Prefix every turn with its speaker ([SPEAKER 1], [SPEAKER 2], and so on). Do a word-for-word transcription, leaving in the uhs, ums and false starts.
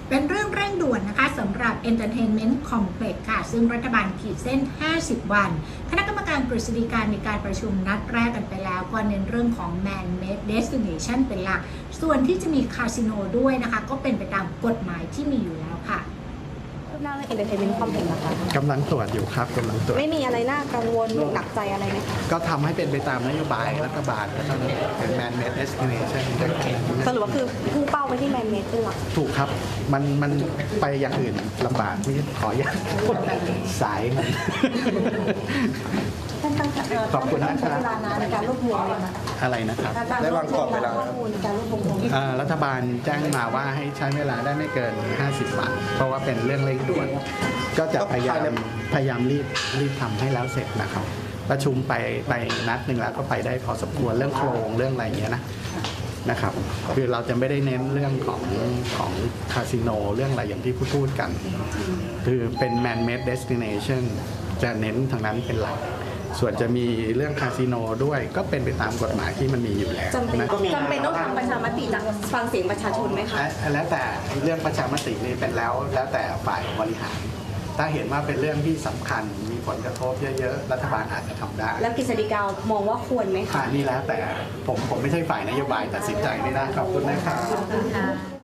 [SPEAKER 1] เป็นเรื่องเร่งด่วนนะคะสำหรับ Entertainment Complex ค่ะซึ่งรัฐบาลขีดเส้น ห้าสิบ วันคณะกรรมการกฤษฎีกามีการประชุมนัดแรกกันไปแล้วก็เน้นเรื่องของ Man-made Destination เป็นหลักส่วนที่จะมีคาสิโนด้วยนะคะก็เป็นไปตามกฎหมายที่มีอยู่แล้วค่ะ
[SPEAKER 2] คืบหน้าเรื่อง Entertainment Complex นะคะ
[SPEAKER 3] กำลังตรวจอยู่ครับกำลังตรวจ
[SPEAKER 2] ไม่มีอะไรน่ากังวลหนักใจอะไรไหมคะ
[SPEAKER 3] ก็ทำให้เป็นไปตามนโยบายรัฐบาลแล้วก็เป็น man-made destination
[SPEAKER 2] สรุปว่าคือพุ่งเป้าไปที่ Man-made เป็นหลัก
[SPEAKER 3] ถูกครับมันมันไปอย่างอื่นลำบากนี่ขออย่าสายมัน
[SPEAKER 2] ท่านตั้ง
[SPEAKER 3] ขอบคุณนะครั
[SPEAKER 2] บ
[SPEAKER 3] บ
[SPEAKER 2] เวลานานในการรวบรวมเลยนะ
[SPEAKER 3] อะไรนะครับ
[SPEAKER 2] ได้วางกรอบเวลาข้อมูลในการรวบรวม
[SPEAKER 3] รัฐบาลแจ้งมาว่าให้ใช้เวลาได้ไม่เกินห้าสิบวันเพราะว่าเป็นเรื่องเร่งด่วนก็จะพยายามพยายามรีบรีบทำให้แล้วเสร็จนะครับประชุมไปไปนัดหนึ่งแล้วก็ไปได้พอสมควรเรื่องโครงเรื่องอะไรอย่างเงี้ยนะนะครับคือเราจะไม่ได้เน้นเรื่องของของคาสิโนเรื่องอะไรอย่างที่พูดพูดกันคือเป็น man-made destination จะเน้นทางนั้นเป็นหลักส่วนจะมีเรื่องคาสิโนด้วยก็เป็นไปตามกฎหมายที่มันมีอยู่แล้ว
[SPEAKER 2] จำเป็นจำเป็นต้องทำประชามติจากฟังเสียงประชาชนไหมคะ
[SPEAKER 3] แล้วแต่เรื่องประชามตินี่เป็นแล้วแล้วแต่ฝ่ายบริหารถ้าเห็นว่าเป็นเรื่องที่สำคัญมีผลกระทบเยอะๆรัฐบาลอาจจะทำได้
[SPEAKER 2] แล้วกฤษฎีกามองว่าควรไหมคะ
[SPEAKER 3] นี่แล้วแต่ผมผมไม่ใช่ฝ่ายนโยบายตัดสินใจไม่ได้ขอบคุณนะครับ